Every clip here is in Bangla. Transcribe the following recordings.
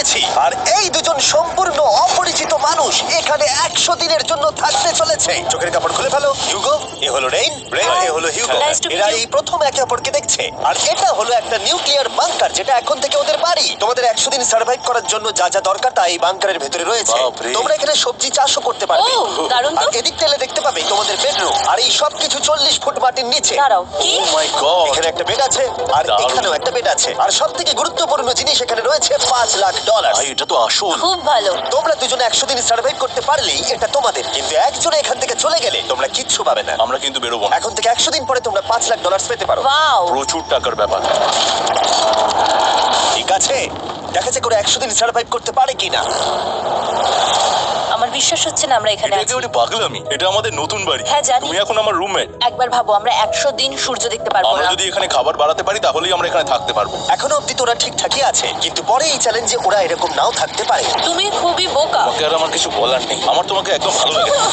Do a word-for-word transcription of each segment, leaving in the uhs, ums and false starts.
চলেছি। আর এই দুজন সম্পূর্ণ অপরিচিত মানুষ এখানে একশো দিনের জন্য থাকতে চলেছে। চোখের কাপড় খুলে ফেলো। হিউগো, এ হলো রেইন, রেইন এ হলো হিউগো। Nice to meet এরা you. এই প্রথম একে অপরকে দেখছে। আর এটা হলো একটা নিউক্লিয়ার বাংকার, যেটা এখন থেকে ওদের বাড়ি। তোমাদের একশো দিন সার্ভাইভ করার জন্য যা যা দরকার তা এই বাংকারের ভেতরে রয়েছে। বাপরে। তোমরা এখানে সবজি চাষও করতে পারবে। ও, দারুণ তো। আর এদিক তেলে দেখতে পাবে তোমাদের বেডরুম। আর এই সব কিছু চল্লিশ ফুট মাটির নিচে। দাঁড়াও, কি? Oh my god. এখানে একটা বেড আছে, আর দারুণ। এখানেও একটা বেড আছে। আর সব থেকে গুরুত্বপূর্ণ জিনিস এখানে রয়েছে পাঁচ লাখ ডলার। ভাই এটা তো আসল। খুব ভালো। তোমরা দুজনে একশো দিন সার্ভাইভ করতে পারলেই এটা তোমাদের, কিন্তু একজনে এখান থেকে চলে গেলে তোমরা কিচ্ছু পাবে না। আমরা কিন্তু বেরোবো না। এখন থেকে একশো দিন পরে তোমরা পাঁচ লাখ ডলার পেতে পারো। ওয়াও। প্রচুর টাকার ব্যাপার। ঠিক আছে, দেখা যাক করে একশো দিন সার্ভাইভ করতে পারে কিনা। আমার বিশ্বাস হচ্ছে না আমরা এখানে এটা আছি। একেবারে পাগলামি। এটা আমাদের নতুন বাড়ি। হ্যাঁ, জানি। তুমি এখন আমার রুমমেট। একবার ভাবো, আমরা একশো দিন সূর্য দেখতে পারবো আমরা না। যদি এখানে খাবার বাড়াতে পারি তাহলেই আমরা এখানে থাকতে পারবো। এখনো অব্দি তো ওরা ঠিকঠাকই আছে, কিন্তু পরে এই চ্যালেঞ্জে ওরা এরকম নাও থাকতে পারে। তুমি খুবই বোকা। তোমাকে আর আমার কিছু বলার নেই। আমার তোমাকে একদম ভালো লাগে না।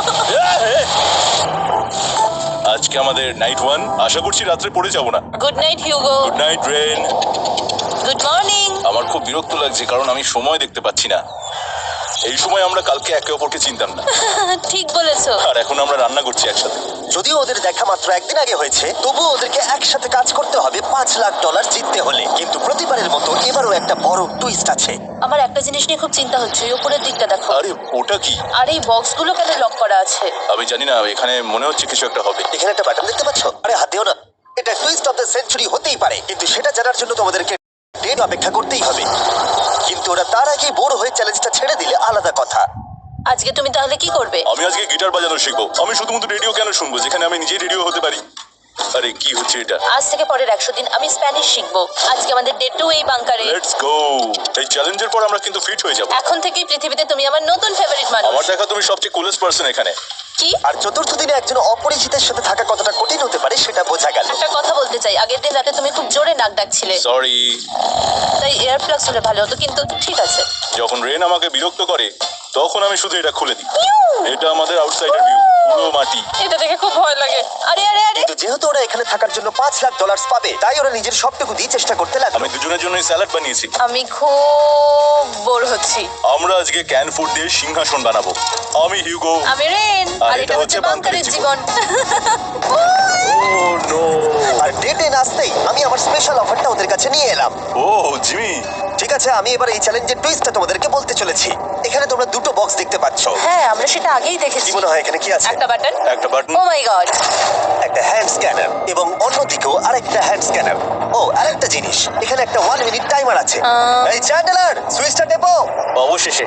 আজকে আমাদের নাইট ওয়ান। আশা করছি রাত্রে পড়ে যাবো না। Good night Hugo. Good night Rain. Good morning. আমার খুব বিরক্ত লাগছে কারণ আমি সময় দেখতে পাচ্ছি না। এই সময় আমরা কালকে একে অপরকে চিনতাম না, ঠিক বলেছো। আর এখন আমরা রান্না করছি একসাথে। যদিও ওদের দেখা মাত্র একদিন আগে হয়েছে, তবুও ওদেরকে একসাথে কাজ করতে হবে পাঁচ লাখ ডলার জিততে হলে। কিন্তু প্রতিবারের মতো এবারও একটা বড় টুইস্ট আছে। আমার একটা জিনিস নিয়ে খুব চিন্তা হচ্ছে, ওই উপরের দিকটা দেখো। আরে ওটা কি? আর এই বক্সগুলো কেন লক করা আছে? আমি জানি না, এখানে মনে হচ্ছে কিছু একটা হবে। এখানে একটা বাটন দেখতে পাচ্ছ? আরে হাত দিও না। এটা টুইস্ট অফ দ্য সেঞ্চুরি হতেই পারে, কিন্তু সেটা জানার জন্য তোমাদেরকে ডেট অপেক্ষা করতেই হবে। কিন্তু ওরা তার আগে বোর হয়ে চ্যালেঞ্জটা ছেড়ে দিলে আলাদা কথা। আজকে তুমি তাহলে কি করবে? আমি আজকে গিটার বাজানো শিখবো। আমি শুধুমাত্র রেডিও কেন শুনবো যেখানে আমি নিজেই রেডিও হতে পারি? আরে কি হচ্ছে এটা? আজ থেকে পরের একশো দিন আমি স্প্যানিশ শিখবো। আজকে আমাদের ডে টু এই বাংকারে। Let's go. এই চ্যালেঞ্জের পর আমরা কিন্তু ফিট হয়ে যাব। এখন থেকেই পৃথিবীতে তুমি আমার নতুন ফেভারিট মানুষ। আমার দেখা তুমি সবচেয়ে কুলেস্ট পারসন এখানে। কি? আর চতুর্থ দিনে একজন অপরিচিতের সাথে থাকা কতটা কঠিন হতে পারে সেটা বোঝা গেল। একটা কথা বলতে চাই, আগের দিন রাতে তুমি খুব জোরে নাক ডাকছিলে, সরি। তাই এয়ার প্লাগস হলে ভালো হতো, কিন্তু ঠিক আছে। যখন রেন আমাকে বিরক্ত করে তখন আমি শুধু এটা খুলে দিই। এটা আমাদের আউটসাইডার ভিউ, পুরো মাটি। এটা দেখে খুব ভয় লাগে। আরে আরে আরে, কিন্তু যেহেতু ওরা এখানে থাকার জন্য পাঁচ লাখ ডলার পাবে, তাই ওরা নিজের সবটুকু দিয়ে চেষ্টা করতে লাগলো। আমি দুজনের জন্যই স্যালাড বানিয়েছি। আমি খুব বোর হচ্ছি। আমরা আজকে ক্যান ফুড দিয়ে সিংহাসন বানাবো। আমি হিউগো। আমি রেন, আর আর এটা এটা হচ্ছে হচ্ছে বাংকারের বাংকারের জীবন। ও নো। আর ডেটে আসতেই আমি আমার স্পেশাল অফারটা ওদের কাছে নিয়ে এলাম। Oh Jimmy. ঠিক আছে, আমি এবার এই চ্যালেঞ্জের টুইস্টটা তোমাদেরকে বলতে চলেছি। এখানে তোমরা দুটো বক্স দেখতে পাচ্ছ। হ্যাঁ, আমরা সেটা আগেই কি দেখেছি। মনে হয় এখানে কি আছে? একটা বাটন। একটা বাটন। Oh my god. একটা হ্যান্ড স্ক্যানার এবং অন্যদিকেও আরেকটা হ্যান্ড স্ক্যানার। ও, আরেকটা জিনিস, এখানে একটা ওয়ান মিনিট টাইমার আছে। আহ। এই চ্যান্ডেলার, সুইচটা টেপো। অবশেষে।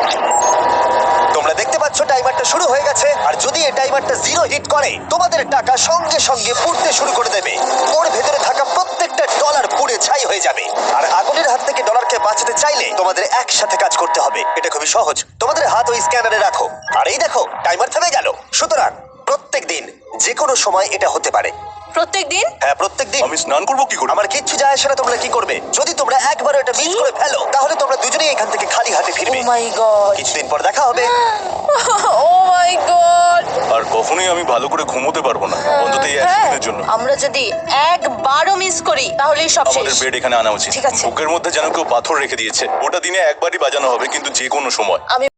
তোমরা দেখতে পাচ্ছ টাইমারটা শুরু হয়ে গেছে। আর যদি এই টাইমারটা জিরো হিট করে, তোমাদের টাকা সঙ্গে সঙ্গে পুড়তে শুরু করে দেবে। ওর ভেতরে থাকা প্রত্যেকটা ডলার পুড়ে ছাই হয়ে যাবে। আর আগুনের হাত থেকে ডলারকে বাঁচাতে চাইলে তোমাদের একসাথে কাজ করতে হবে। এটা খুবই সহজ। তোমাদের হাত ওই স্ক্যানারে রাখো, আর এই দেখো টাইমার থেমে গেল। সুতরাং প্রত্যেক দিন যে কোনো সময় এটা হতে পারে। প্রত্যেক দিন? হ্যাঁ, প্রত্যেক দিন। আমি স্নান করবো কি করে? আমার কিচ্ছু যায় আসে না তোমরা কি করবে। যদি তোমরা একবারও এটা মিস করে ফেলো, তাহলে তোমরা দুজনেই এখান থেকে খালি হাতে ও ফিরবে। My god. কিছুদিন পর দেখা হবে। ও মাই গড। আর কখনোই আমি ভালো করে ঘুমোতে পারবো না, অন্তত এই একদিনের জন্য। আমরা যদি একবারও মিস করি তাহলেই সব আমাদের শেষ। বেড এখানে আনা উচিত। ঠিক আছে। বুকের মধ্যে যেন কেউ পাথর রেখে দিয়েছে। ওটা দিনে একবারই বাজানো হবে, কিন্তু যে কোনো সময়। আমি